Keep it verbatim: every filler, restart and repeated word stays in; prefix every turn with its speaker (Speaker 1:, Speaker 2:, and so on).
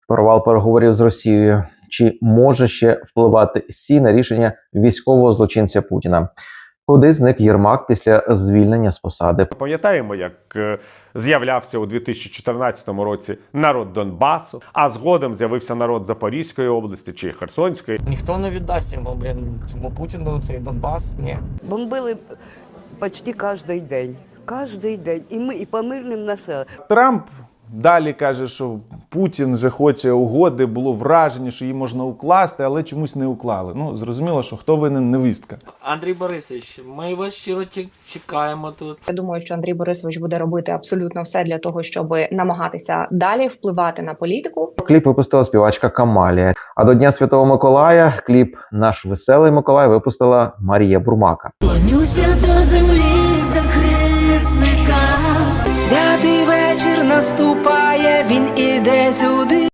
Speaker 1: Провал переговорів з Росією. Чи може ще впливати Сі на рішення військового злочинця Путіна? Куди зник Єрмак після звільнення з посади?
Speaker 2: Пам'ятаємо, як е, з'являвся у дві тисячі чотирнадцятому році народ Донбасу, а згодом з'явився народ Запорізької області чи Херсонської.
Speaker 3: Ніхто не віддасть йому, блін, цьому Путіну цей Донбас, ні.
Speaker 4: Бомбили почти кожен день. Кожен день. І ми, і по мирним населенням.
Speaker 5: Трамп далі каже, що Путін же хоче угоди, було враження, що її можна укласти, але чомусь не уклали. Ну, зрозуміло, що хто винен, невістка.
Speaker 6: Андрій Борисович, ми вас щиро чекаємо тут.
Speaker 7: Я думаю, що Андрій Борисович буде робити абсолютно все для того, щоб намагатися далі впливати на політику.
Speaker 1: Кліп випустила співачка Камалія. А до Дня Святого Миколая кліп «Наш веселий Миколай» випустила Марія Бурмака.
Speaker 8: Клонюся до землі захисника.
Speaker 9: Святий вечір наступає, він іде сюди.